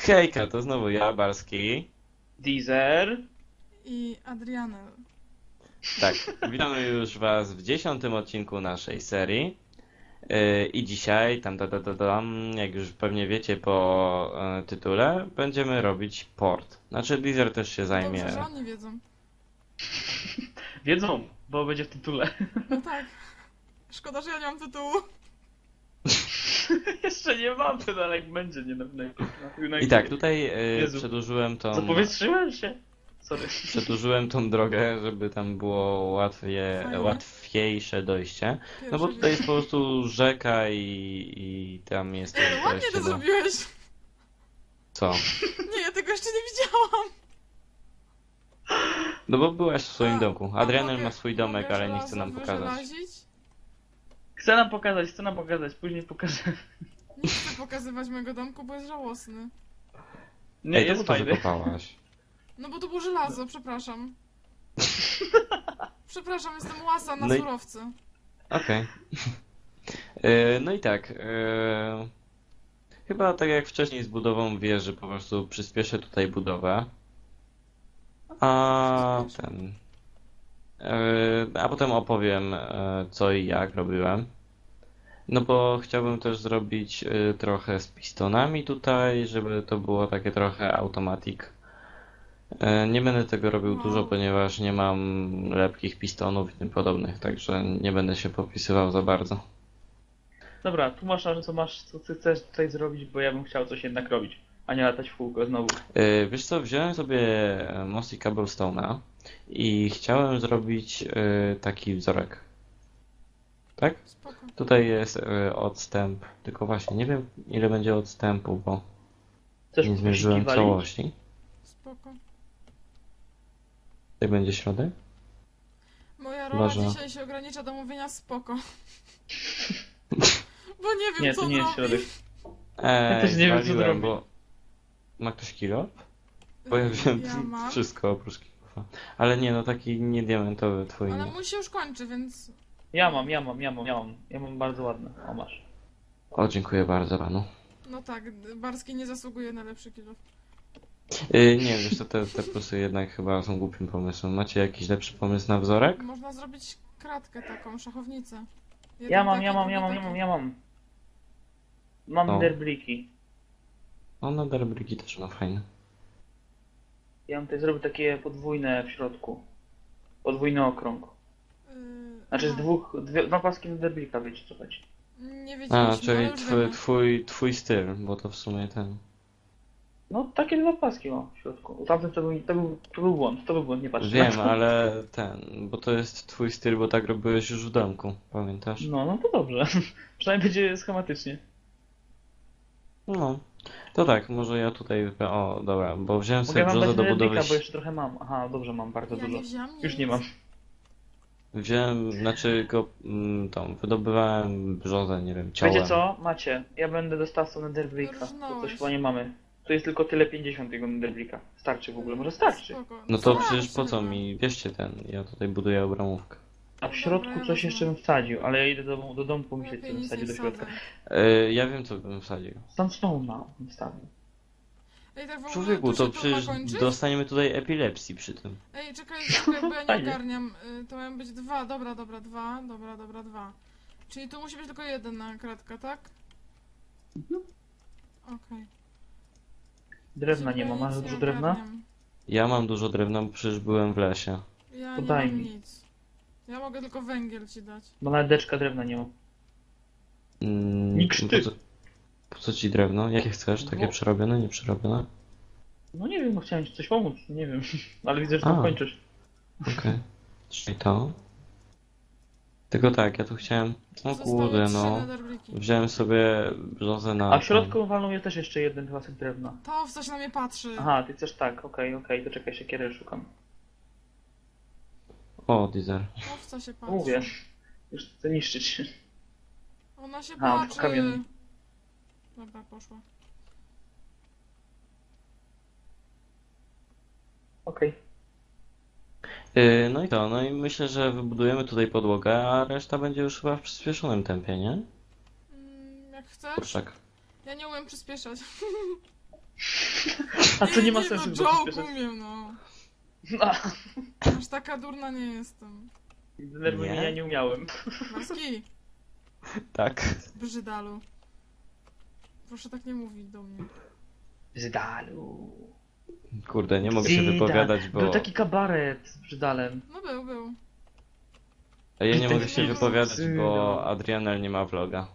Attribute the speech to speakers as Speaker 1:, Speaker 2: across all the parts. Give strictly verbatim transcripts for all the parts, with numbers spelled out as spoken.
Speaker 1: Hejka, to znowu ja, Barski.
Speaker 2: Deezer.
Speaker 3: I Adrianel.
Speaker 1: Tak, witamy już was w dziesiątym odcinku naszej serii. Yy, I dzisiaj, tam, tam, tam, tam, jak już pewnie wiecie po e, tytule, będziemy robić port. Znaczy, Deezer też się zajmie.
Speaker 3: Dobrze, że oni wiedzą.
Speaker 2: Wiedzą, bo będzie w tytule.
Speaker 3: No tak. Szkoda, że ja nie mam tytułu.
Speaker 2: Jeszcze nie mam, to dalej będzie, nie na, na, na, na
Speaker 1: I tak, tutaj yy,
Speaker 2: Jezu.
Speaker 1: przedłużyłem tą,
Speaker 2: Zapowietrzyłem się. Sorry.
Speaker 1: przedłużyłem tą drogę, żeby tam było łatwiej,
Speaker 3: Fajnie.
Speaker 1: łatwiejsze dojście. No bo
Speaker 3: Pierwszy
Speaker 1: tutaj jest
Speaker 3: wiek.
Speaker 1: po prostu rzeka i, i tam jest
Speaker 3: Ej,
Speaker 1: też
Speaker 3: ładnie
Speaker 1: wejście
Speaker 3: to
Speaker 1: do...
Speaker 3: zrobiłeś.
Speaker 1: Co?
Speaker 3: Nie, ja tego jeszcze nie widziałam.
Speaker 1: No bo byłaś w swoim
Speaker 3: A,
Speaker 1: domku.
Speaker 3: a
Speaker 1: Adrianel
Speaker 3: mogę-
Speaker 1: ma swój domek,
Speaker 3: mogę
Speaker 1: ale nie chce
Speaker 3: żelazo
Speaker 1: nam pokazać.
Speaker 3: wyżelazić?
Speaker 2: Chcę nam pokazać, chcę nam pokazać, później pokażę.
Speaker 3: Nie chcę pokazywać mojego domku, bo jest żałosny.
Speaker 2: Nie,
Speaker 1: Ej, to
Speaker 2: jest
Speaker 1: po to
Speaker 2: fajny.
Speaker 1: wykopałaś.
Speaker 3: No bo to było żelazo, przepraszam. Przepraszam, jestem łasa na
Speaker 1: No i-
Speaker 3: surowce.
Speaker 1: Okej. E, No i tak. e, Chyba tak jak wcześniej z budową wieży, po prostu przyspieszę tutaj budowę. A
Speaker 3: Przyspieszę.
Speaker 1: ten. e, A potem opowiem e, co i jak robiłem. No bo chciałbym też zrobić e, trochę z pistonami tutaj, żeby to było takie trochę automatic. E, Nie będę tego robił dużo,
Speaker 3: Wow.
Speaker 1: ponieważ nie mam lepkich pistonów i tym podobnych, także nie będę się popisywał za bardzo.
Speaker 2: Dobra, tu masz, co masz, co ty chcesz tutaj zrobić, bo ja bym chciał coś jednak robić, a nie latać w kółko znowu.
Speaker 1: E, Wiesz co, wziąłem sobie e, Mossy Cobblestone'a i chciałem zrobić e, taki wzorek. Tak?
Speaker 3: Spoko,
Speaker 1: Tutaj jest e, odstęp, tylko właśnie nie wiem ile będzie odstępu, bo
Speaker 2: Chcesz
Speaker 1: nie zmierzyłem
Speaker 2: poszukiwali?
Speaker 1: całości.
Speaker 3: spoko.
Speaker 1: Tutaj będzie środek?
Speaker 3: Moja rola
Speaker 1: Chyba, że-
Speaker 3: dzisiaj się ogranicza do mówienia spoko. Bo nie wiem,
Speaker 2: Nie,
Speaker 3: co
Speaker 2: to nie jest
Speaker 3: zrobić.
Speaker 2: środek.
Speaker 1: Eee,
Speaker 2: też nie wiem, co
Speaker 1: zwaliłem,
Speaker 2: zrobić.
Speaker 1: bo... Ma ktoś kilo? Bo ja wziąłem
Speaker 3: Ja mam.
Speaker 1: wszystko oprócz kilofa. Ale nie, no taki nie diamentowy twój
Speaker 3: Ale
Speaker 1: nie.
Speaker 3: mój się już kończy, więc...
Speaker 2: Ja mam, ja mam, ja mam, ja mam. Ja mam bardzo ładne. O, masz.
Speaker 1: O, dziękuję bardzo panu.
Speaker 3: No tak, Barski nie zasługuje na lepszy kilo.
Speaker 1: Yy, nie, wiesz co, te, te plusy jednak chyba są głupim pomysłem. Macie jakiś lepszy pomysł na wzorek?
Speaker 3: Można zrobić kratkę taką, szachownicę. Jeden
Speaker 2: Ja mam,
Speaker 3: taki,
Speaker 2: ja mam,
Speaker 3: drugi
Speaker 2: ja mam, ja
Speaker 3: taki.
Speaker 2: mam, ja mam. Mam
Speaker 1: O.
Speaker 2: derbliki.
Speaker 1: No, na derbriki też ma fajne.
Speaker 2: Ja bym tutaj zrobił takie podwójne w środku. Podwójny okrąg.
Speaker 3: Yy,
Speaker 2: Znaczy z
Speaker 3: aha.
Speaker 2: dwóch, dwie, dwa paski na derblika, wiecie co chodzi.
Speaker 3: Nie
Speaker 1: A,
Speaker 3: wiedzieliśmy, ale
Speaker 1: czyli
Speaker 3: już
Speaker 1: twój,
Speaker 3: wiemy.
Speaker 1: twój, twój styl, bo to w sumie ten...
Speaker 2: No takie dwa paski o w środku. Tamten to był, to był, to był błąd, to był błąd, nie patrzcie na
Speaker 1: Wiem,
Speaker 2: to.
Speaker 1: ale ten, bo to jest twój styl, bo tak robiłeś już w domku, pamiętasz?
Speaker 2: No, no to dobrze. Przynajmniej będzie schematycznie.
Speaker 1: No, to tak, może ja tutaj... O, dobra, bo wziąłem
Speaker 2: Mogę
Speaker 1: sobie
Speaker 2: wam
Speaker 1: brzozę
Speaker 2: dać
Speaker 1: do
Speaker 2: derblika,
Speaker 1: budowy...
Speaker 2: bo jeszcze trochę mam. Aha, dobrze mam, bardzo
Speaker 3: Ja
Speaker 2: dużo.
Speaker 3: nie wziąłem
Speaker 2: Już
Speaker 3: nic.
Speaker 2: nie mam.
Speaker 1: Wziąłem, znaczy go, mm, tą, wydobywałem brzozę, nie wiem, ciałem.
Speaker 2: Wiecie co? Macie. Ja będę dostawcą Netherbricka, bo
Speaker 3: Rżnąłeś.
Speaker 2: coś chyba nie mamy. Tu jest tylko tyle pięćdziesiąt tego Netherbricka. Starczy w ogóle, może starczy.
Speaker 3: Spoko.
Speaker 1: No to
Speaker 3: Starczy
Speaker 1: przecież po co
Speaker 3: chyba.
Speaker 1: mi, wierzcie ten, ja tutaj buduję obramówkę.
Speaker 2: A w
Speaker 3: Dobra,
Speaker 2: środku
Speaker 3: ja
Speaker 2: coś
Speaker 3: wezmę.
Speaker 2: jeszcze bym wsadził, ale ja idę do, do domku myśleć, co
Speaker 3: Lepiej
Speaker 2: bym
Speaker 3: nic
Speaker 2: wsadził
Speaker 3: nie
Speaker 2: do środka.
Speaker 3: wsadzę.
Speaker 1: Yy, ja wiem co bym wsadził.
Speaker 2: Sandstone'a bym wstawił.
Speaker 3: Ej, tak w ogóle
Speaker 1: Człowieku,
Speaker 3: to
Speaker 1: to
Speaker 3: się to
Speaker 1: przecież
Speaker 3: ma kończyć?
Speaker 1: dostaniemy tutaj epilepsji przy tym.
Speaker 3: Ej, czekaj, czekaj, bo ja nie
Speaker 2: Fajnie.
Speaker 3: ogarniam. Y, To mają być dwa, dobra, dobra, dwa, dobra, dobra, dwa. Czyli tu musi być tylko jedna kratka, tak? Okej.
Speaker 2: Drewna
Speaker 3: Żeby
Speaker 2: nie ma,
Speaker 3: ja
Speaker 2: masz
Speaker 3: nic
Speaker 2: dużo
Speaker 3: nie
Speaker 2: drewna?
Speaker 3: ogarniam.
Speaker 1: Ja mam dużo drewna, bo przecież byłem w lesie.
Speaker 3: Ja
Speaker 2: To
Speaker 3: nie
Speaker 2: daj
Speaker 3: mam
Speaker 2: mi.
Speaker 3: nic. Ja mogę tylko węgiel ci dać.
Speaker 2: Bo nawet deczka drewna nie ma.
Speaker 1: Mm,
Speaker 2: Nikt
Speaker 1: po
Speaker 2: ty.
Speaker 1: co, po co ci drewno? Jakie chcesz? Takie
Speaker 2: Bo-
Speaker 1: przerobione, nieprzerobione?
Speaker 2: No nie wiem, no chciałem ci coś pomóc, nie wiem. Ale widzę, że
Speaker 1: A.
Speaker 2: to kończysz.
Speaker 1: Okej. Czyli to. Tylko tak, ja tu chciałem... O
Speaker 3: Zostały
Speaker 1: kurde,
Speaker 3: trzy
Speaker 1: no.
Speaker 3: netherbricki.
Speaker 1: Wziąłem sobie brzozę na...
Speaker 2: A w środku walną jest też jeszcze jeden pasek drewna.
Speaker 3: To w co się na mnie patrzy.
Speaker 2: Aha, ty chcesz tak, okej, okej, to czekaj, siekierę szukam.
Speaker 1: O, Deezer.
Speaker 3: To w co się
Speaker 2: No
Speaker 3: patrzy.
Speaker 2: mówię, już chcę niszczyć.
Speaker 3: Ona się
Speaker 2: A,
Speaker 3: patrzy.
Speaker 2: kamienny.
Speaker 3: Dobra, poszła.
Speaker 2: Okej.
Speaker 1: Yy, no i to, no i myślę, że wybudujemy tutaj podłogę, a reszta będzie już chyba w przyspieszonym tempie, nie?
Speaker 3: Mm, jak chcesz?
Speaker 1: Kurczak.
Speaker 3: Ja nie umiem przyspieszać.
Speaker 2: A to nie ma
Speaker 3: nie,
Speaker 2: sensu,
Speaker 3: no,
Speaker 2: bo
Speaker 3: joke
Speaker 2: przyspieszasz.
Speaker 3: umiem, no.
Speaker 2: A,
Speaker 3: Aż taka durna nie jestem.
Speaker 2: denerwuj mnie,
Speaker 1: Nie?
Speaker 2: ja nie umiałem.
Speaker 3: Marski,
Speaker 1: Tak.
Speaker 3: brzydalu. Proszę tak nie mówić do mnie.
Speaker 2: Brzydalu.
Speaker 1: Kurde, nie mogę się
Speaker 2: Brzydal.
Speaker 1: wypowiadać, bo...
Speaker 2: Był taki kabaret z Brzydalem.
Speaker 3: No był, był.
Speaker 1: A ja nie
Speaker 2: Ten
Speaker 1: mogę się
Speaker 3: film
Speaker 1: wypowiadać,
Speaker 2: Brzydal.
Speaker 1: bo Adrianel nie ma vloga.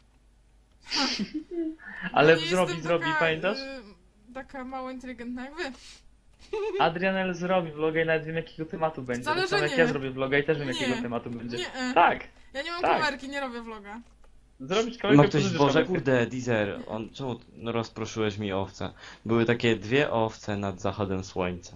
Speaker 2: Ale
Speaker 3: No nie
Speaker 2: zrobi,
Speaker 3: jestem
Speaker 2: zrobi,
Speaker 3: taka,
Speaker 2: pamiętasz?
Speaker 3: y, taka mało inteligentna jak wy.
Speaker 2: Adrianel zrobi vloga i nawet wiem jakiego tematu będzie.
Speaker 3: Wcale,
Speaker 2: Tak samo
Speaker 3: że
Speaker 2: jak
Speaker 3: nie.
Speaker 2: ja zrobię vloga i też wiem
Speaker 3: Nie.
Speaker 2: jakiego tematu będzie.
Speaker 3: Nie, e.
Speaker 2: Tak!
Speaker 3: Ja nie mam
Speaker 2: Tak.
Speaker 3: kamerki, nie robię vloga.
Speaker 2: Zrobić kamerkę,
Speaker 1: Ma ktoś
Speaker 2: pożyczysz
Speaker 1: Boże,
Speaker 2: kamerkę.
Speaker 1: kurde, Deezer, on, czemu t- no, rozproszyłeś mi owce? Były takie dwie owce nad zachodem słońca.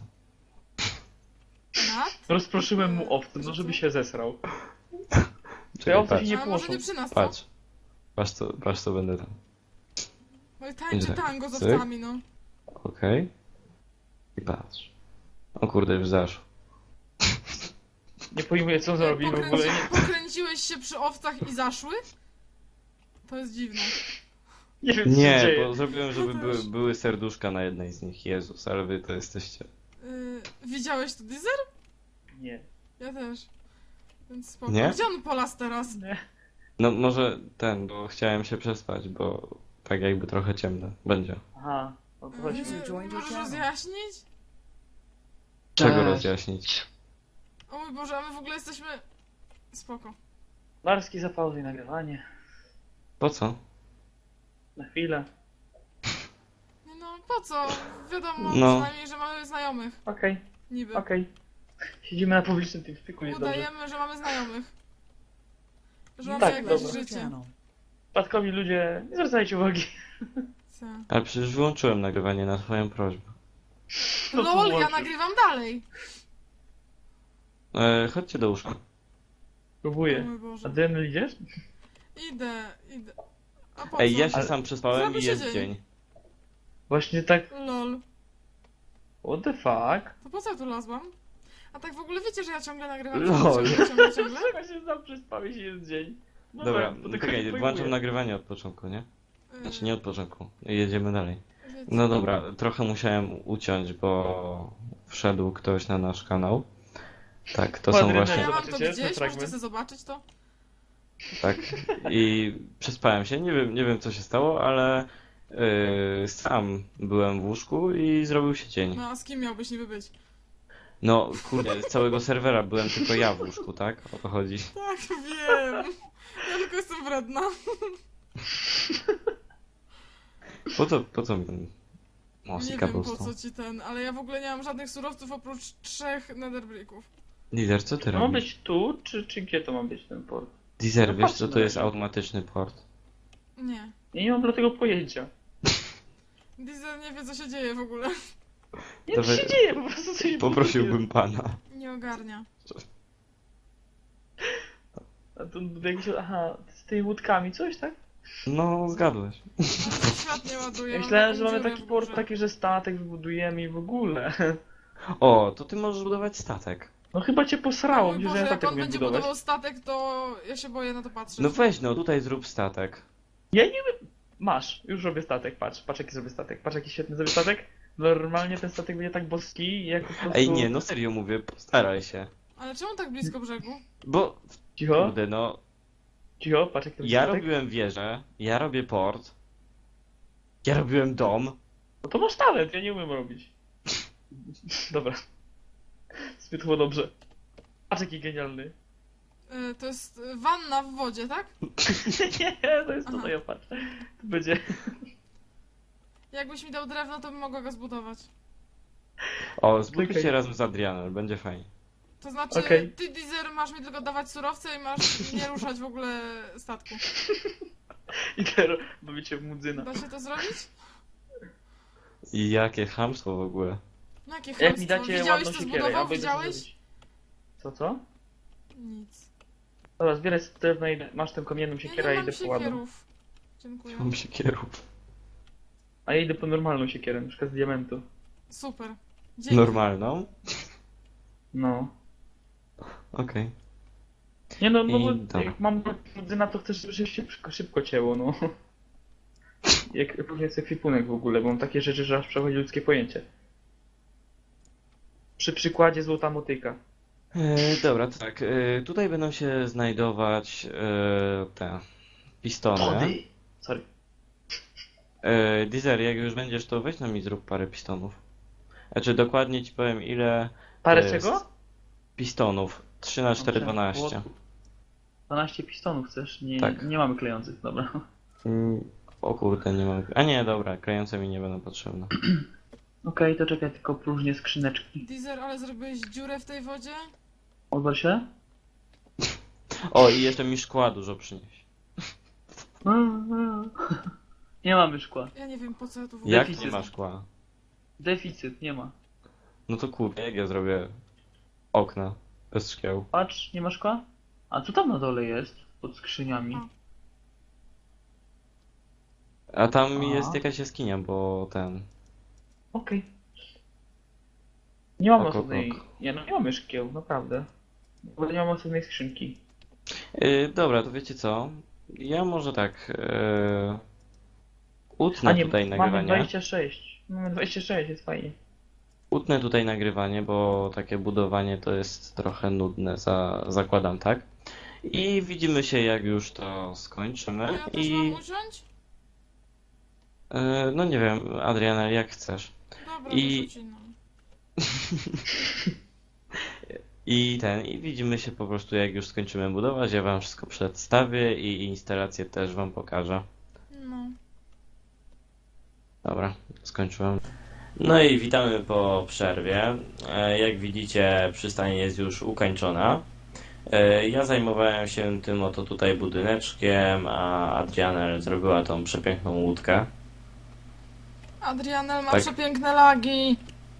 Speaker 3: Nad?
Speaker 2: Rozproszyłem mu owce, no
Speaker 3: Że
Speaker 2: żeby
Speaker 3: co?
Speaker 2: się zesrał.
Speaker 1: Czekaj,
Speaker 2: owce
Speaker 1: patrz,
Speaker 2: się nie
Speaker 3: A może
Speaker 2: płoszą.
Speaker 3: nie przy nas, co?
Speaker 1: patrz. Patrz co, patrz co będę tam.
Speaker 3: Oj, tańczy
Speaker 1: Cyk,
Speaker 3: tango z
Speaker 1: cyk.
Speaker 3: owcami, no.
Speaker 1: Okej. I patrz. O kurde, już zaszło.
Speaker 2: Nie pojmuję co zrobi w ogóle.
Speaker 3: Pokręci,
Speaker 2: Nie,
Speaker 3: pokręciłeś się przy owcach i zaszły? To jest dziwne.
Speaker 2: nie wiem co się
Speaker 1: Nie,
Speaker 2: dzieje.
Speaker 1: bo zrobiłem, żeby
Speaker 3: Ja
Speaker 1: były,
Speaker 3: też.
Speaker 1: były serduszka na jednej z nich. Jezus, ale wy to jesteście.
Speaker 3: Yy, widziałeś to, Deezer?
Speaker 2: Nie.
Speaker 3: Ja też. Więc spoko.
Speaker 1: Nie?
Speaker 3: Gdzie on polas teraz?
Speaker 2: Nie.
Speaker 1: No może ten, bo chciałem się przespać, bo tak jakby trochę ciemno będzie.
Speaker 2: Aha, o to chodzi.
Speaker 3: Yy, możesz rozjaśnić?
Speaker 1: Czego
Speaker 2: Tak.
Speaker 1: rozjaśnić?
Speaker 3: O mój Boże, a my w ogóle jesteśmy... Spoko.
Speaker 2: Larski zapauzuj nagrywanie.
Speaker 1: Po co?
Speaker 2: Na chwilę.
Speaker 3: Nie no, po co? Wiadomo
Speaker 1: No.
Speaker 3: przynajmniej, że mamy znajomych.
Speaker 2: Okej,
Speaker 3: Niby.
Speaker 2: okej. Siedzimy na publicznym tym spiku, jest dobrze.
Speaker 3: Udajemy, że mamy znajomych. Że mamy
Speaker 2: Tak,
Speaker 3: jakieś
Speaker 2: dobra.
Speaker 3: życie.
Speaker 2: Przypadkowi ludzie, nie zwracajcie uwagi.
Speaker 3: Co?
Speaker 1: Ale przecież wyłączyłem nagrywanie na twoją prośbę.
Speaker 2: No to
Speaker 3: LOL, ja
Speaker 2: włączy.
Speaker 3: nagrywam dalej.
Speaker 1: E, chodźcie do łóżka.
Speaker 3: O
Speaker 2: Próbuję.
Speaker 3: mój Boże.
Speaker 2: Adrian, idziesz?
Speaker 3: Idę, idę. A po
Speaker 1: Ej,
Speaker 3: co?
Speaker 1: ja się
Speaker 2: Ale-
Speaker 1: sam przespałem
Speaker 3: Zrobi
Speaker 1: i
Speaker 3: się
Speaker 1: jest
Speaker 3: dzień.
Speaker 1: dzień.
Speaker 2: Właśnie tak,
Speaker 3: LOL.
Speaker 2: what the fuck?
Speaker 3: To po co ja tu lazłam? A tak w ogóle wiecie, że ja ciągle nagrywam.
Speaker 1: LOL.
Speaker 3: Ciągle, ciągle, ciągle.
Speaker 2: Dlaczego się sam przespałeś i jest dzień? No
Speaker 1: Dobra,
Speaker 2: bo tego
Speaker 1: czekaj,
Speaker 2: nie
Speaker 1: włączam
Speaker 2: pojmuję.
Speaker 1: nagrywanie od początku, nie? Znaczy nie od początku. Jedziemy dalej.
Speaker 3: Yy, wiecie.
Speaker 1: No dobra, trochę musiałem uciąć, bo wszedł ktoś na nasz kanał. Tak, to są
Speaker 2: Ładny
Speaker 3: A
Speaker 1: właśnie...
Speaker 3: ja mam to
Speaker 2: Zobaczycie ten
Speaker 3: gdzieś, możecie
Speaker 2: fragment?
Speaker 3: sobie zobaczyć to?
Speaker 1: Tak. I przespałem się, nie wiem, nie wiem co się stało, ale yy, sam byłem w łóżku i zrobił się dzień.
Speaker 3: No a z kim miałbyś niby być?
Speaker 1: No kurde, z całego serwera byłem tylko ja w łóżku, tak? O to chodzi.
Speaker 3: Tak, wiem. Ja tylko jestem wredna.
Speaker 1: Po co, po co mi ten
Speaker 3: Nie
Speaker 1: Mosika
Speaker 3: wiem po
Speaker 1: dostał?
Speaker 3: co ci ten, ale ja w ogóle nie mam żadnych surowców oprócz trzech netherbricków.
Speaker 1: Lider, co ty
Speaker 2: To ma
Speaker 1: robisz?
Speaker 2: być tu, czy, czy gdzie to ma być ten port?
Speaker 1: Lider,
Speaker 2: No
Speaker 1: wiesz
Speaker 2: patrz
Speaker 1: co
Speaker 2: na
Speaker 1: to jest
Speaker 2: razie.
Speaker 1: automatyczny port?
Speaker 3: Nie.
Speaker 2: Ja nie mam dlatego pojęcia.
Speaker 3: Diesel nie wie co się dzieje w ogóle.
Speaker 2: Nie
Speaker 1: To
Speaker 2: to się
Speaker 1: wy-
Speaker 2: dzieje, po prostu coś
Speaker 1: Poprosiłbym pana.
Speaker 3: Nie ogarnia.
Speaker 2: A to jakieś, aha, z tymi łódkami coś, tak?
Speaker 1: No, zgadłeś.
Speaker 3: Ale się świat nie ładuje.
Speaker 2: Ja
Speaker 3: mam
Speaker 2: myślałem,
Speaker 3: taką
Speaker 2: że mamy
Speaker 3: dziurę
Speaker 2: taki
Speaker 3: w
Speaker 2: port,
Speaker 3: górze.
Speaker 2: taki, że statek wybudujemy i w ogóle.
Speaker 1: O, to ty możesz budować statek.
Speaker 2: No chyba cię
Speaker 3: O
Speaker 2: posrało,
Speaker 3: mój
Speaker 2: myślę, że
Speaker 3: Boże,
Speaker 2: ja
Speaker 3: jak
Speaker 2: statek
Speaker 3: on
Speaker 2: umiem
Speaker 3: będzie
Speaker 2: budować.
Speaker 3: budował statek, to ja się boję na to patrzeć.
Speaker 1: No weź no, tutaj zrób statek.
Speaker 2: Ja nie wiem. Masz, już robię statek, patrz, patrz jaki zrobię statek, patrz jaki świetny zrobię statek. Normalnie ten statek będzie tak boski, jak po prostu...
Speaker 1: Ej, nie, no serio mówię, postaraj się.
Speaker 3: Ale czemu tak blisko brzegu?
Speaker 1: Bo,
Speaker 2: Cicho,
Speaker 1: kurde, no,
Speaker 2: cicho, patrz jak to będzie
Speaker 1: ja
Speaker 2: statek.
Speaker 1: robiłem wieżę, ja robię port, ja robiłem dom.
Speaker 2: No to masz talent, ja nie umiem robić. Dobra. Zbyt było dobrze. Patrz jaki genialny.
Speaker 3: Y, to jest y, wanna w wodzie, tak?
Speaker 2: Nie, to jest
Speaker 3: Aha.
Speaker 2: tutaj, patrz. To będzie...
Speaker 3: Jakbyś mi dał drewno, to bym mogła go zbudować.
Speaker 1: O, zbudujcie
Speaker 2: Czekaj.
Speaker 1: razem z Adrianem, będzie fajnie.
Speaker 3: To znaczy,
Speaker 2: Okej.
Speaker 3: ty Deezer masz mi tylko dawać surowce i masz nie ruszać w ogóle statku.
Speaker 2: I teraz bawicie w mudzyna.
Speaker 3: Da się to zrobić?
Speaker 1: I jakie chamstwo w ogóle.
Speaker 3: No jakie
Speaker 2: Jak
Speaker 3: chamstwo.
Speaker 2: mi dacie
Speaker 3: Widziałeś
Speaker 2: ładną
Speaker 3: co
Speaker 2: siekierę, ja
Speaker 3: zbudował?
Speaker 2: będę
Speaker 3: Widziałeś?
Speaker 2: zrobić. Co, co?
Speaker 3: Nic.
Speaker 2: Dobra, zbieraj sobie drewno i masz tę kamienną
Speaker 3: Ja
Speaker 2: siekierę,
Speaker 3: nie
Speaker 2: ja
Speaker 3: mam
Speaker 2: idę po ładną.
Speaker 3: siekierów. Dziękuję.
Speaker 1: Mam siekierów.
Speaker 2: A ja idę po normalną siekierę, na przykład z diamentu.
Speaker 3: Super. Dzięki.
Speaker 1: Normalną?
Speaker 2: No.
Speaker 1: Okej.
Speaker 2: Nie no, no
Speaker 1: I
Speaker 2: bo
Speaker 1: dobra.
Speaker 2: jak mam mudzyna, to chcesz, żeby się szybko, szybko cięło, no. jak różnie jest ekwipunek w ogóle, bo mam takie rzeczy, że aż przechodzi ludzkie pojęcie. Przy przykładzie złota motyka.
Speaker 1: E, dobra, to tak. E, tutaj będą się znajdować e, te pistony.
Speaker 2: Tody! Sorry.
Speaker 1: E, Deezer, jak już będziesz, to weź nam i zrób parę pistonów. Znaczy dokładnie ci powiem ile
Speaker 2: Parę
Speaker 1: to jest
Speaker 2: czego?
Speaker 1: pistonów. trzy na cztery, dwanaście.
Speaker 2: dwanaście pistonów chcesz? Nie,
Speaker 1: Tak.
Speaker 2: nie mamy klejących, dobra.
Speaker 1: Mm, O kurde, nie mam. A nie, dobra, klejące mi nie będą potrzebne.
Speaker 2: Okej, to czekaj, tylko próżnie skrzyneczki.
Speaker 3: Deezer, ale zrobiłeś dziurę w tej wodzie?
Speaker 2: Odwal się?
Speaker 1: O, i jeszcze mi szkła dużo przynieś.
Speaker 2: Nie mamy szkła.
Speaker 3: Ja nie wiem po co ja tu w ogóle...
Speaker 1: Jak
Speaker 2: Deficyt.
Speaker 1: nie ma szkła?
Speaker 2: Deficyt, nie ma.
Speaker 1: No to kurde, jak ja zrobię okna bez szkieł?
Speaker 2: Patrz, nie ma szkła? A co tam na dole jest? Pod skrzyniami.
Speaker 3: A.
Speaker 1: A tam
Speaker 2: A.
Speaker 1: jest jakaś jaskinia, bo ten...
Speaker 2: Okej. Nie mamy
Speaker 1: Ok, ok,
Speaker 2: osobnej...
Speaker 1: ok.
Speaker 2: Nie, no nie mamy szkieł, naprawdę. Bo nie mamy osobnej skrzynki.
Speaker 1: Yy, dobra, to wiecie co? Ja może tak... Yy... Utnę
Speaker 2: A nie,
Speaker 1: tutaj
Speaker 2: mamy
Speaker 1: nagrywanie.
Speaker 2: dwadzieścia sześć. Mamy dwadzieścia sześć, jest fajnie.
Speaker 1: Utnę tutaj nagrywanie, bo takie budowanie to jest trochę nudne, za, zakładam, tak? I widzimy się jak już to skończymy.
Speaker 3: A ja też
Speaker 1: I...
Speaker 3: mam usiąść?
Speaker 1: Yy, no nie wiem, Adriana, jak chcesz.
Speaker 3: Dobra,
Speaker 1: I-
Speaker 3: I... to rzucinam.
Speaker 1: I ten, i widzimy się po prostu jak już skończymy budować, ja wam wszystko przedstawię i instalację też wam pokażę.
Speaker 3: No.
Speaker 1: Dobra, skończyłem. No i witamy po przerwie. E, Jak widzicie, przystań jest już ukończona. E, Ja zajmowałem się tym oto tutaj budyneczkiem, a Adriana zrobiła tą przepiękną łódkę.
Speaker 3: Adrianel ma
Speaker 1: Tak.
Speaker 3: przepiękne lagi.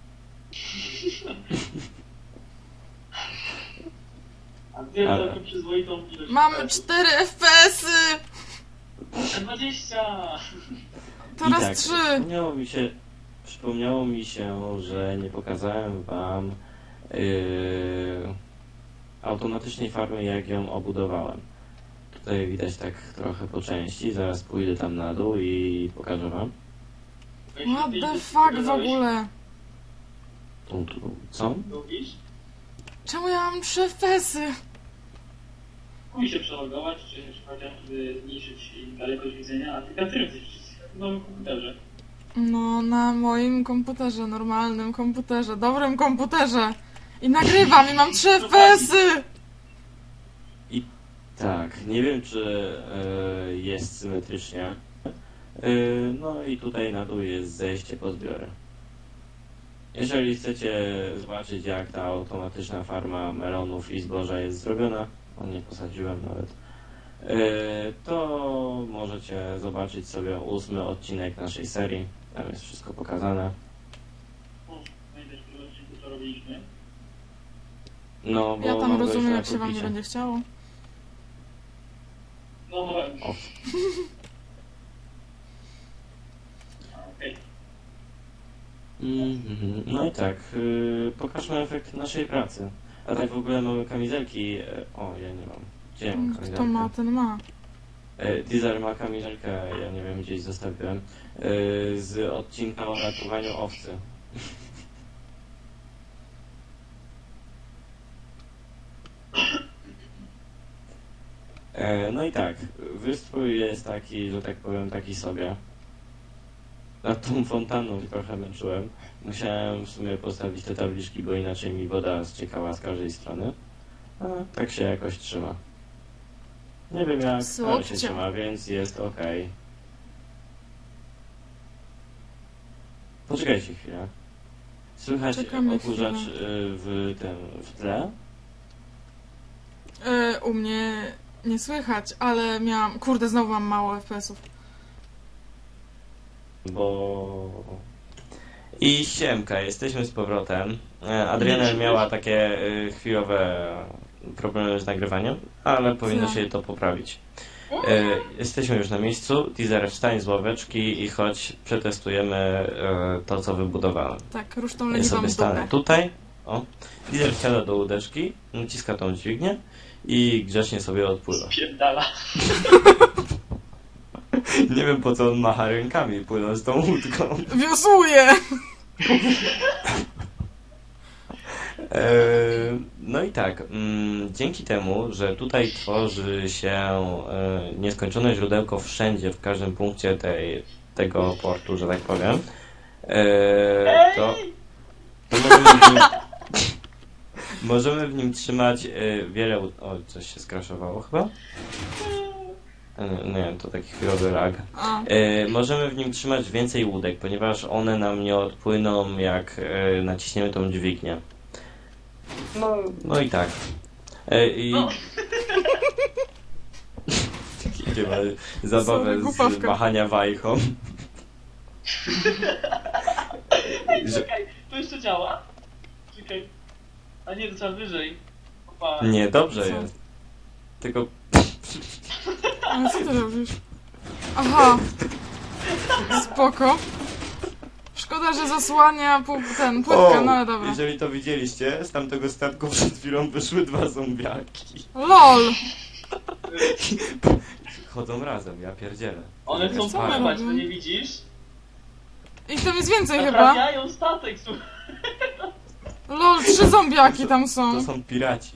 Speaker 4: A gdzie
Speaker 1: Ale-
Speaker 4: taką przyzwoitą ilość?
Speaker 3: Mamy cztery F P S-y.
Speaker 4: dwadzieścia!
Speaker 1: I
Speaker 3: Teraz
Speaker 1: tak,
Speaker 3: trzy.
Speaker 1: przypomniało mi się, przypomniało mi się, że nie pokazałem wam yy, automatycznej farmy, jak ją obudowałem. Tutaj widać tak trochę po części, zaraz pójdę tam na dół i pokażę wam.
Speaker 3: What the fuck w ogóle?
Speaker 1: Tu, tu, co?
Speaker 4: Lubisz?
Speaker 3: Czemu ja mam trzy F P S-y?
Speaker 4: Mój się przelogować, czy chociażby zmniejszyć dalekość widzenia, a ty kateryzujesz w nowym komputerze.
Speaker 3: No, na moim komputerze, normalnym komputerze, dobrym komputerze. I nagrywam i mam trzy F P S-y.
Speaker 1: Tak, nie wiem czy e, jest symetrycznie. E, no i tutaj na dół jest zejście po zbiory. Jeżeli chcecie zobaczyć jak ta automatyczna farma melonów i zboża jest zrobiona, o nie posadziłem nawet, e, to możecie zobaczyć sobie ósmy odcinek naszej serii. Tam jest wszystko pokazane.
Speaker 4: O, znajdziesz w tym odcinku, co robiliśmy.
Speaker 1: No, bo
Speaker 3: Ja tam
Speaker 1: mam go
Speaker 3: rozumiem,
Speaker 1: jeszcze
Speaker 3: jak
Speaker 1: na
Speaker 3: się wam nie
Speaker 1: pulpicie.
Speaker 3: będzie chciało.
Speaker 4: No,
Speaker 1: O.
Speaker 4: okej.
Speaker 1: Mhm. No i tak, yy, pokażmy efekt naszej pracy. A tak w ogóle mamy kamizelki. e, O, ja nie mam. Gdzie ja mam
Speaker 3: Kto
Speaker 1: kamizelkę?
Speaker 3: ma, ten ma.
Speaker 1: E, Deezer ma kamizelkę, ja nie wiem, gdzieś zostawiłem. e, Z odcinka o ratowaniu owcy. E, No i tak, wystrój jest taki, że tak powiem, taki sobie. Nad tą fontanną się trochę męczyłem. Musiałem w sumie postawić te tabliczki, bo inaczej mi woda ściekała z każdej strony. A tak się jakoś trzyma. Nie wiem jak, ale się
Speaker 3: Słuchajcie.
Speaker 1: trzyma, więc jest ok. Poczekajcie chwilę. Słychać
Speaker 3: Czekamy
Speaker 1: okurzacz
Speaker 3: chwilę.
Speaker 1: y, w tym, w tle?
Speaker 3: Yy, u mnie nie słychać, ale miałam... Kurde, znowu mam mało F P S-ów.
Speaker 1: Bo... I siemka, jesteśmy z powrotem. E, Adriana miała takie y, chwilowe problemy z nagrywaniem, ale powinno
Speaker 3: Co?
Speaker 1: się to poprawić. E, Jesteśmy już na miejscu. Teaser, wstań z ławeczki i chodź, przetestujemy e, to, co wybudowałem.
Speaker 3: Tak, rusz tą
Speaker 1: Ja
Speaker 3: leniwą
Speaker 1: sobie stanę
Speaker 3: dupę.
Speaker 1: tutaj. O. Teaser wsiada do łódeczki, naciska tą dźwignię i grzecznie sobie odpływa.
Speaker 4: Spierdala.
Speaker 1: Nie wiem po co on macha rękami płynąc tą łódką.
Speaker 3: Wiosłuję!
Speaker 1: E, No i tak, mm, dzięki temu, że tutaj tworzy się e, nieskończone źródełko wszędzie, w każdym punkcie tej, tego portu, że tak powiem, e, to, to możemy w nim, możemy w nim trzymać e, wiele... łó- O, coś się skraszowało chyba? E, Nie, to taki chwilowy lag.
Speaker 3: A,
Speaker 1: E, możemy w nim trzymać więcej łódek, ponieważ one nam nie odpłyną, jak e, naciśniemy tą dźwignię. No, no i tak. E, I...
Speaker 2: No.
Speaker 1: Idzie ma zabawę
Speaker 3: Sorry,
Speaker 1: z
Speaker 3: głupawka.
Speaker 1: machania wajchą.
Speaker 4: Ej,
Speaker 1: Że-
Speaker 4: czekaj, to jeszcze działa? Czekaj. A nie, to trzeba wyżej. Opa.
Speaker 1: Nie, dobrze
Speaker 3: Co?
Speaker 1: jest. Tylko
Speaker 3: ale co ty robisz? Aha. Spoko. Szkoda, że zasłania pół, ten, płytkę, no ale dobra.
Speaker 1: jeżeli to widzieliście, z tamtego statku przed chwilą wyszły dwa zombiaki.
Speaker 3: LOL!
Speaker 1: Chodzą razem, ja pierdzielę.
Speaker 4: One chcą
Speaker 3: Co one
Speaker 4: pływać, to
Speaker 3: robią?
Speaker 4: nie widzisz?
Speaker 3: Ich tam jest więcej chyba.
Speaker 4: Naprawiają statek, słuchaj.
Speaker 3: LOL, trzy zombiaki tam są.
Speaker 1: To są piraci.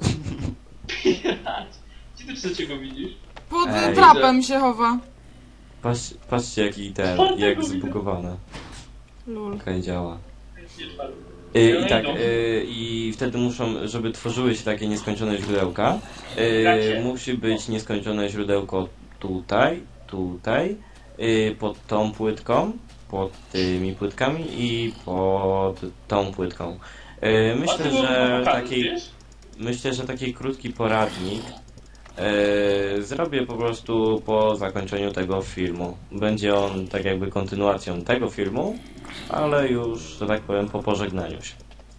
Speaker 4: Gdzie ty trzeciego widzisz?
Speaker 3: Pod
Speaker 1: Ej.
Speaker 3: trapem się chowa.
Speaker 1: Patrz, patrzcie jaki ten,
Speaker 4: Czwartego
Speaker 1: jak
Speaker 4: widzę.
Speaker 1: zbugowane.
Speaker 3: Lul.
Speaker 1: Okej, działa.
Speaker 4: Nie, czwarty.
Speaker 1: Y,
Speaker 4: One
Speaker 1: I tak,
Speaker 4: idą.
Speaker 1: y, i wtedy muszą, żeby tworzyły się takie nieskończone źródełka,
Speaker 4: Gacie.
Speaker 1: y, musi być nieskończone źródełko tutaj, tutaj, y, pod tą płytką, pod tymi płytkami i pod tą płytką. Y,
Speaker 4: A
Speaker 1: Myślę,
Speaker 4: ty było
Speaker 1: że
Speaker 4: pokazać,
Speaker 1: taki,
Speaker 4: wiesz?
Speaker 1: myślę, że taki krótki poradnik y, zrobię po prostu po zakończeniu tego filmu. Będzie on tak jakby kontynuacją tego filmu, ale już, że tak powiem, po pożegnaniu się.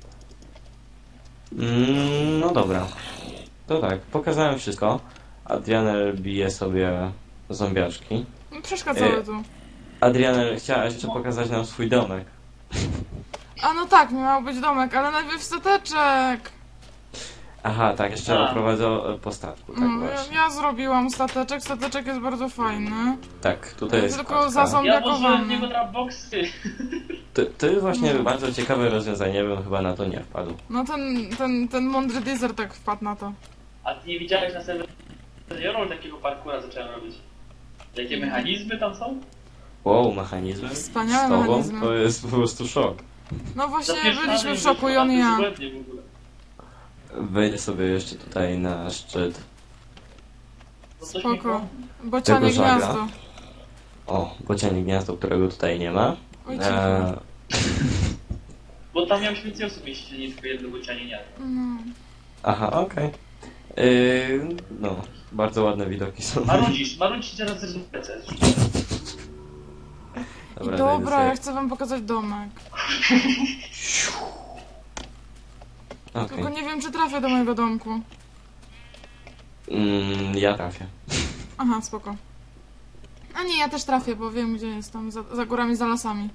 Speaker 1: Mm, no dobra. To tak, pokazałem wszystko. Adrianel bije sobie zombiaczki.
Speaker 3: No, przeszkadzały
Speaker 1: E.
Speaker 3: tu.
Speaker 1: Adrianel, chciałaś jeszcze pokazać nam swój domek.
Speaker 3: A no tak, miał być domek, ale najpierw stateczek.
Speaker 1: Aha, tak, jeszcze
Speaker 4: A.
Speaker 1: oprowadzę po statku, tak
Speaker 3: No, ja,
Speaker 1: właśnie.
Speaker 3: ja zrobiłam stateczek, stateczek jest bardzo fajny.
Speaker 1: Tak, tutaj jest
Speaker 3: Tylko
Speaker 1: kostka.
Speaker 3: za zombie-
Speaker 4: Ja włożyłem w
Speaker 3: Zombiakowany.
Speaker 4: niego dropboxy.
Speaker 1: To, to jest właśnie
Speaker 3: No.
Speaker 1: bardzo ciekawe rozwiązanie, ja bym chyba na to nie wpadł.
Speaker 3: No ten, ten, ten mądry deezer tak wpadł na to.
Speaker 4: A ty nie widziałeś na serwerze takiego parkura zacząłem robić? Jakie mechanizmy tam są?
Speaker 1: Wow, mechanizmy
Speaker 3: Wspaniałe
Speaker 1: z tobą
Speaker 3: mechanizmy.
Speaker 1: to jest po prostu szok.
Speaker 3: No właśnie
Speaker 4: Zapieszczamy
Speaker 3: byliśmy w
Speaker 4: już,
Speaker 3: szoku i
Speaker 4: a
Speaker 3: on
Speaker 4: to
Speaker 3: i
Speaker 4: jest
Speaker 3: ja.
Speaker 4: błędnie w ogóle.
Speaker 1: Wejdę sobie jeszcze tutaj na szczyt.
Speaker 4: Bo coś
Speaker 3: Spoko.
Speaker 4: mi-
Speaker 3: Bocianie
Speaker 1: Tego żaga.
Speaker 3: gniazdo.
Speaker 1: O, bocianie gniazdo, którego tutaj nie ma.
Speaker 3: Oj,
Speaker 1: Eee,
Speaker 3: cicho.
Speaker 4: Bo tam miał więcej osób mieścić, a nie tylko jedno bocianie nie.
Speaker 3: No.
Speaker 1: aha, okej. Yy, no, bardzo ładne widoki są.
Speaker 4: Marudzisz, marudzisz teraz zresztą lecę.
Speaker 3: I
Speaker 1: Dobra,
Speaker 3: dobra,
Speaker 1: zajdę
Speaker 3: ja chcę wam pokazać domek.
Speaker 1: sobie-
Speaker 3: Tylko
Speaker 1: Okej.
Speaker 3: nie wiem, czy trafię do mojego domku.
Speaker 1: Mm, ja trafię.
Speaker 3: Aha, spoko. A nie, ja też trafię, bo wiem, gdzie jestem. Za, za górami, za lasami.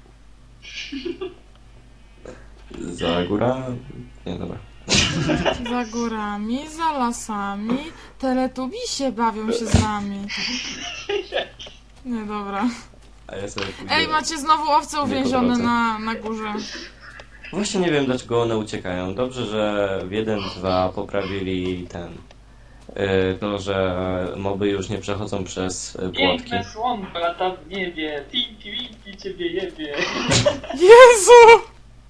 Speaker 1: Za góra... Nie, dobra.
Speaker 3: Za górami, za lasami. Teletubisie bawią się z nami. Nie, dobra.
Speaker 1: A ja sobie pójdę...
Speaker 3: Ej, macie znowu owce
Speaker 1: Nie
Speaker 3: uwięzione
Speaker 1: powrotem.
Speaker 3: na, na górze.
Speaker 1: Właśnie nie wiem, dlaczego one uciekają. Dobrze, że w jeden dwa poprawili ten... Yy, to, że moby już nie przechodzą przez y, płotki.
Speaker 4: Piękne słonko lata w niebie, tinki winki ciebie jebie.
Speaker 3: Jezu!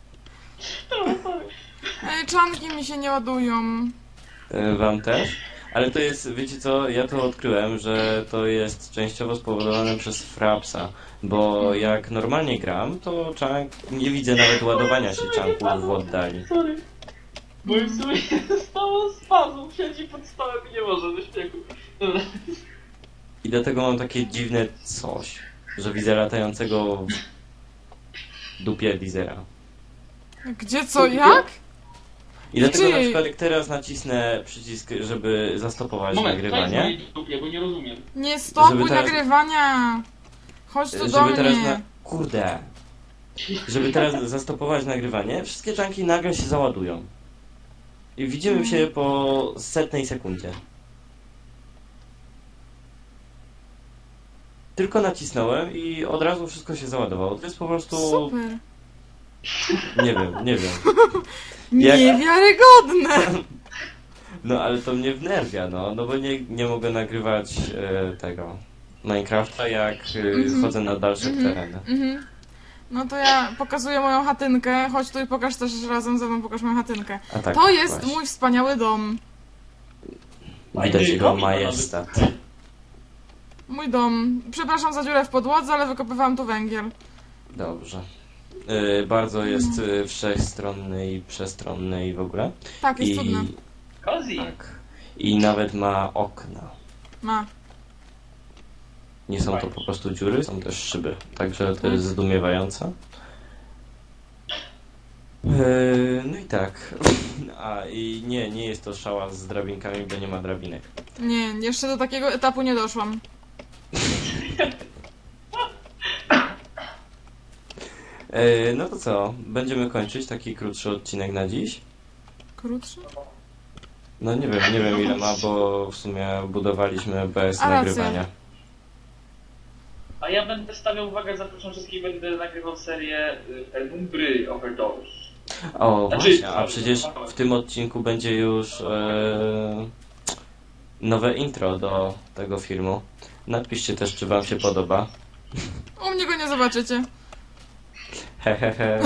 Speaker 3: Ej, czanki mi się nie ładują.
Speaker 1: Y, Wam też? Ale to jest, wiecie co, ja to odkryłem, że to jest częściowo spowodowane przez Frapsa, bo jak normalnie gram, to czank, nie widzę nawet ładowania się czanków w oddali.
Speaker 4: Sorry. Bo w sumie stało spazą, siedzi pod stołem i nie może ze śmiechu. Dobra.
Speaker 1: I dlatego mam takie dziwne coś, że widzę latającego w dupie Deezera.
Speaker 3: Gdzie, co, jak?
Speaker 1: I dlatego na
Speaker 3: Czyli-
Speaker 1: przykład jak teraz nacisnę przycisk, żeby zastopować
Speaker 4: Moment, to jest
Speaker 1: nagrywanie,
Speaker 4: moje dupie, bo nie rozumiem.
Speaker 3: Nie stopuj
Speaker 1: Żeby teraz-
Speaker 3: nagrywania! Chodź tu do
Speaker 1: żeby teraz
Speaker 3: mnie.
Speaker 1: na... Kurde! Żeby teraz zastopować nagrywanie, wszystkie czanki nagle się załadują. I widzimy się po setnej sekundzie. Tylko nacisnąłem i od razu wszystko się załadowało. To jest po prostu...
Speaker 3: Super.
Speaker 1: Nie wiem, nie wiem. Jak-
Speaker 3: Niewiarygodne!
Speaker 1: No ale to mnie wnerwia, no, no bo nie, nie mogę nagrywać e, tego Minecrafta, jak e,
Speaker 3: Mhm.
Speaker 1: chodzę na dalsze
Speaker 3: Mhm.
Speaker 1: tereny.
Speaker 3: Mhm. No to ja pokazuję moją chatynkę. Chodź tu i pokaż też razem ze mną, pokaż moją chatynkę.
Speaker 1: A tak,
Speaker 3: To jest
Speaker 1: właśnie.
Speaker 3: mój wspaniały dom.
Speaker 1: Widać jego
Speaker 4: Fajny
Speaker 1: majestat.
Speaker 3: Mój dom. Przepraszam za dziurę w podłodze, ale wykopywałam tu węgiel.
Speaker 1: Dobrze. E, bardzo jest e, wszechstronny i przestronny i w ogóle.
Speaker 3: Tak, jest
Speaker 1: I
Speaker 3: cudne.
Speaker 4: Cozy.
Speaker 1: tak. I nawet ma okna.
Speaker 3: Ma.
Speaker 1: Nie są to po prostu dziury, są też szyby. Także to jest zdumiewające. Eee, no i tak. A i nie, nie jest to szała z drabinkami, bo nie ma drabinek.
Speaker 3: Nie, jeszcze do takiego etapu nie doszłam.
Speaker 1: Eee, no to co? Będziemy kończyć taki krótszy odcinek na dziś?
Speaker 3: Krótszy?
Speaker 1: No nie wiem, nie wiem ile ma, bo w sumie budowaliśmy bez
Speaker 3: A, racja.
Speaker 1: nagrywania.
Speaker 4: A ja będę stawiał uwagę, zapraszam wszystkich, będę nagrywał serię y, Penumbry Overdose.
Speaker 1: O,
Speaker 4: Znaczy-
Speaker 1: właśnie, a przecież w tym odcinku będzie już e, nowe intro do tego filmu. Napiszcie też, czy wam się podoba.
Speaker 3: U mnie go nie zobaczycie.
Speaker 1: Hehehe.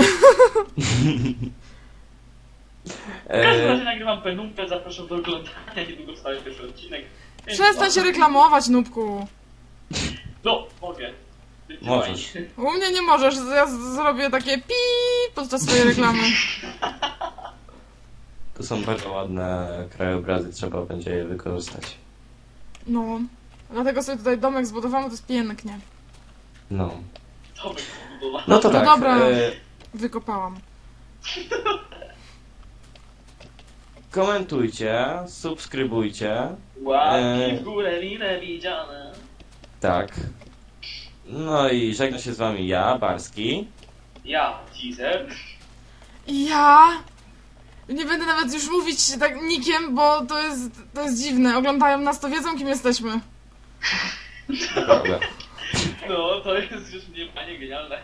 Speaker 4: W każdym razie
Speaker 1: e,
Speaker 4: nagrywam Penumbrę, zapraszam do oglądania, niedługo wstawię pierwszy odcinek. Więc
Speaker 3: Przestań
Speaker 4: no,
Speaker 3: się reklamować, nubku.
Speaker 4: No, mogę.
Speaker 1: Możesz.
Speaker 3: U mnie nie możesz, ja z- zrobię takie pi podczas swojej reklamy.
Speaker 1: tu są bardzo ładne krajobrazy, trzeba będzie je wykorzystać.
Speaker 3: No. Dlatego sobie tutaj domek zbudowałam, to jest pięknie.
Speaker 1: No.
Speaker 4: To bym zbudował.
Speaker 1: No to
Speaker 3: No
Speaker 1: tak.
Speaker 3: dobra.
Speaker 1: E,
Speaker 3: Wykopałam.
Speaker 1: komentujcie, subskrybujcie.
Speaker 4: Łapki w górę, mile widziane.
Speaker 1: Tak. No i żegna się z wami ja, Barski.
Speaker 4: Ja, teaser.
Speaker 3: I ja... Nie będę nawet już mówić tak nikiem, bo to jest, to jest dziwne. Oglądają nas, to wiedzą, kim jesteśmy.
Speaker 1: Dobra.
Speaker 4: No, to jest już mnie panie genialne.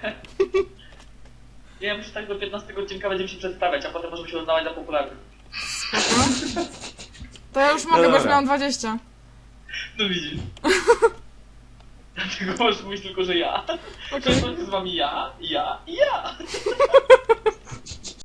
Speaker 4: Ja myślę, że tak do piętnastego odcinka będziemy się przedstawiać, a potem możemy się uznawać za popularnych.
Speaker 3: Spoko. To ja już mogę, bo już
Speaker 1: Dobra.
Speaker 3: miałam dwadzieścia.
Speaker 4: No widzisz. Dlatego możesz mówić tylko, że ja.
Speaker 3: Okej.
Speaker 4: Że to jest z wami ja, ja i ja.